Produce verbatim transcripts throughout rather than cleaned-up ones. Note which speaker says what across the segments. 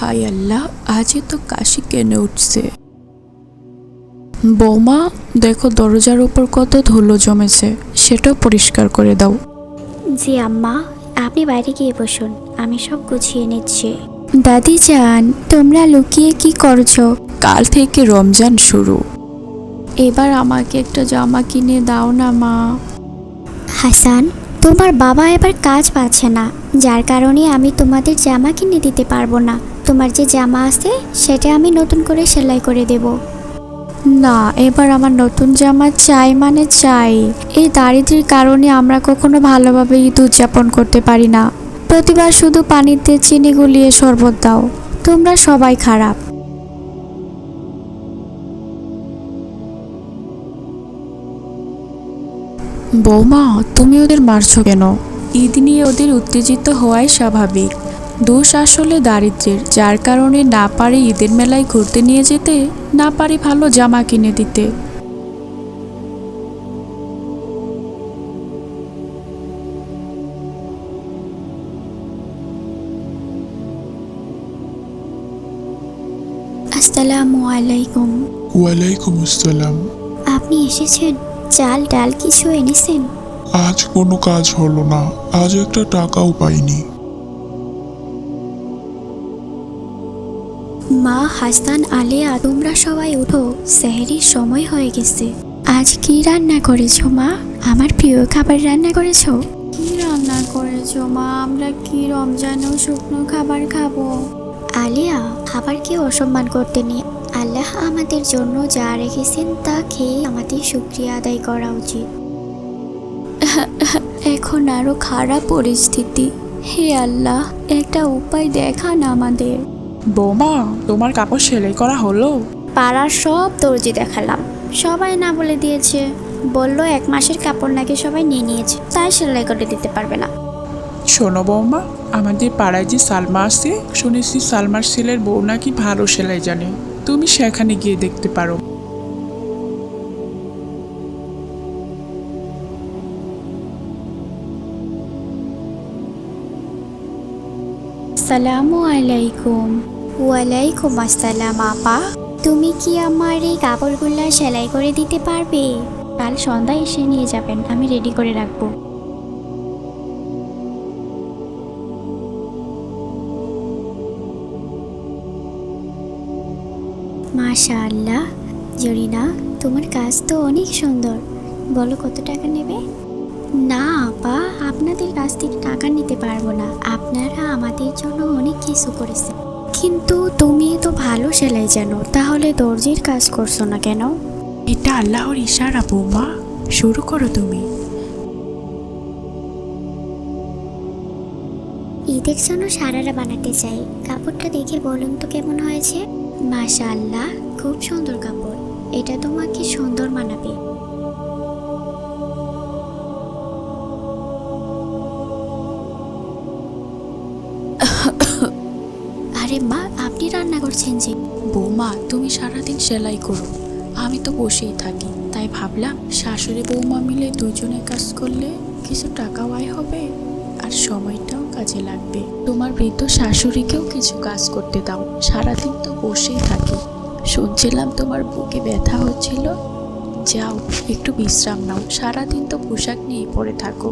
Speaker 1: হায় আল্লাহ, আজই তো কাশি কেনে উঠছে। বৌমা, দেখো দরজার উপর কত ধুলো জমেছে, সেটাও পরিষ্কার করে দাও।
Speaker 2: জি আম্মা, আপনি বাইরে গিয়ে বসুন, আমি সব গুছিয়ে নিচ্ছি। দাদি যান, তোমরা লুকিয়ে কি করছো?
Speaker 1: কাল থেকে রমজান শুরু, এবার আমাকে একটা জামা কিনে দাও না মা।
Speaker 2: হাসান, তোমার বাবা এবার কাজ পাচ্ছে না, যার কারণে আমি তোমাদের জামা কিনে দিতে পারবো না। তোমার যে জামা আছে সেটা আমি নতুন করে সেলাই করে দেব।
Speaker 1: না, এবার আমার নতুন জামা চাই মানে চাই। এই দারিদ্র্যের কারণে আমরা কখনো ভালোভাবে ঈদ উদযাপন করতে পারি না। প্রতিবার শুধু পানিতে চিনি গুলিয়ে শরবত দাও। তোমরা সবাই খারাপ। বৌমা, তুমি ওদের মারছো কেন? ঈদ নিয়ে ওদের উত্তেজিত হওয়াই স্বাভাবিক। দোষ আসলে দারিদ্র্যের, যার কারণে না পারে ঈদের মেলায় ঘুরতে নিয়ে যেতে, না পারে ভালো জামা কিনে দিতে।
Speaker 2: আসসালামু আলাইকুম।
Speaker 3: ওয়ালাইকুম আসসালাম।
Speaker 2: আপনি এসেছেন? চাল ডাল কিছু এনেছেন?
Speaker 3: আজ কোনো কাজ হলো না, আজ একটা টাকাও পাইনি।
Speaker 2: মা, হাসান, আলিয়া, তোমরা সবাই উঠো, সেহরির সময় হয়ে গেছে। আজ কি রান্না করেছো মা? আমার প্রিয় খাবার রান্না করেছো?
Speaker 1: কি রান্না করেছো মা? আমরা কি রমজানেও শুকনো খাবার খাবো?
Speaker 2: আলিয়া, খাবারকে অসম্মান করতে নেই। আল্লাহ আমাদের জন্য যা রেখেছেন তা খেয়ে আমাদের শুকরিয়া আদায় করা উচিত।
Speaker 1: এখন আরো খারাপ পরিস্থিতি। হে আল্লাহ, একটা উপায় দেখান আমাদের।
Speaker 4: বৌমা, তোমার কাপড় সেলাই করা হলো?
Speaker 2: পাড়ার সব দর্জি দেখালাম, সবাই না বলে দিয়েছে। বলল এক মাসের কাপড় নাকি সবাই নিয়ে নিয়েছে, তাই সেলাই করে দিতে পারবে না।
Speaker 4: শোনো বৌমা, আমাদের পাড়ায় যে সালমা আছে, শুনেছি সালমার ছেলের বউ নাকি ভালো সেলাই জানে। তুমি সেখানে গিয়ে দেখতে পারো।
Speaker 2: আসসালামু আলাইকুম। ওয়ালাইকুম আসসালাম আপা। তুমি কি আমার এই কাপড়গুলো সেলাই করে দিতে পারবে? কাল সন্ধ্যায় এসে নিয়ে যাবেন, আমি রেডি করে রাখবো। মাশাআল্লাহ, জরিনা, তোমার কাজ তো অনেক সুন্দর। বলো কত টাকা নেবে? না আপা, আপনাদের কাছ থেকে টাকা নিতে পারবো না। আপনারা আমাদের জন্য অনেক কিছু করেছেন। কিন্তু তুমি তো ভালো সেলাই জানো, তাহলে দর্জির কাজ করছো না কেন?
Speaker 4: এটা আল্লাহর ইশারা বৌমা, শুরু করো তুমি।
Speaker 2: ঈদের জন্য সারারা বানাতে চাই। কাপড়টা দেখে বলুন তো কেমন হয়েছে? মাশাআল্লাহ, খুব সুন্দর কাপড়। এটা তোমাকে সুন্দর মানাবে। আরে মা, আপনি রান্না করছেন যে?
Speaker 1: বৌমা, তুমি সারাদিন সেলাই করো, আমি তো বসেই থাকি। তাই ভাবলাম শাশুড়ি বৌমা মিলে দুজনে কাজ করলে কিছু টাকাও আয় হবে, আর সময়টাও কাজে লাগবে। তোমার বৃদ্ধ শাশুড়িকেও কিছু কাজ করতে দাও, সারাদিন তো বসেই থাকি। শুনছিলাম তোমার বুকে ব্যথা হচ্ছিল, যাও একটু বিশ্রাম নাও, সারাদিন তো পোশাক নিয়ে পড়ে থাকো।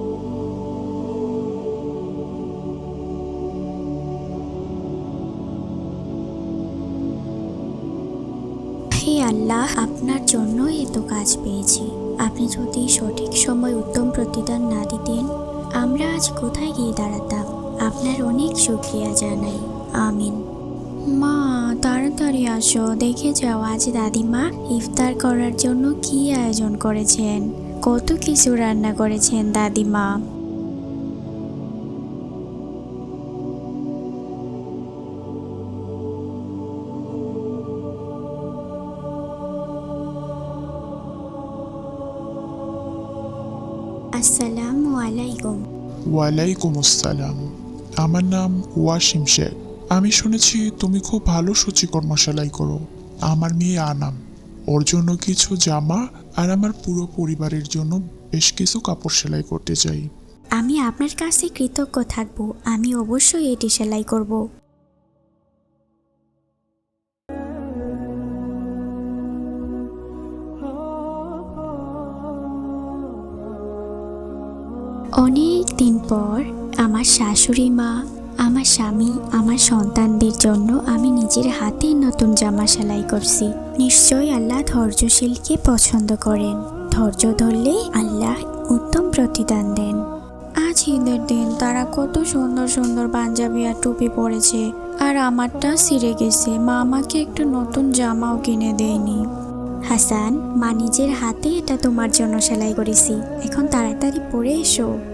Speaker 2: হে আল্লাহ, আপনার জন্য এত কাজ পেয়েছি। আপনি যদি সঠিক সময় উত্তম প্রতিদান না দিতেন, আমরা আজ কোথায় গিয়ে দাঁড়াতাম? আপনার অনেক শুকরিয়া জানাই। আমিন। মা, তাড়াতাড়ি আসো, দেখে যাও আজ দাদিমা ইফতার করার জন্য কি আয়োজন করেছেন। কত কিছু রান্না করেছেন দাদিমা। আসসালামু আলাইকুম।
Speaker 3: ওয়ালাইকুম আসসালাম। আমার নাম ওয়াসিম শেখ। আমি শুনেছি তুমি খুব ভালো সূচিকর্ম সেলাই করো। আমার মেয়ে আনাম, ওর জন্য কিছু জামা আর আমার পুরো পরিবারের জন্য বেশ কিছু কাপড় সেলাই করতে চাই।
Speaker 2: আমি আপনার কাছে কৃতজ্ঞ থাকব। আমি অবশ্যই এটি সেলাই করব। অনেক দিন পর আমার শাশুড়ি মা, আমার স্বামী, আমার সন্তানদের জন্য আমি নিজের হাতে নতুন জামা সেলাই করছি। নিশ্চয়ই আল্লাহ ধৈর্যশীলকে পছন্দ করেন। ধৈর্য ধরলে আল্লাহ উত্তম প্রতিদান দেন। আজ ঈদের দিন তারা কত সুন্দর সুন্দর পাঞ্জাবি আর টুপি পরেছে, আর আমারটা ছিঁড়ে গেছে। মা আমাকে একটু নতুন জামাও কিনে দেয়নি। হাসান, মা নিজের হাতে এটা তোমার জন্য সেলাই করেছি, এখন তাড়াতাড়ি পরে এসো।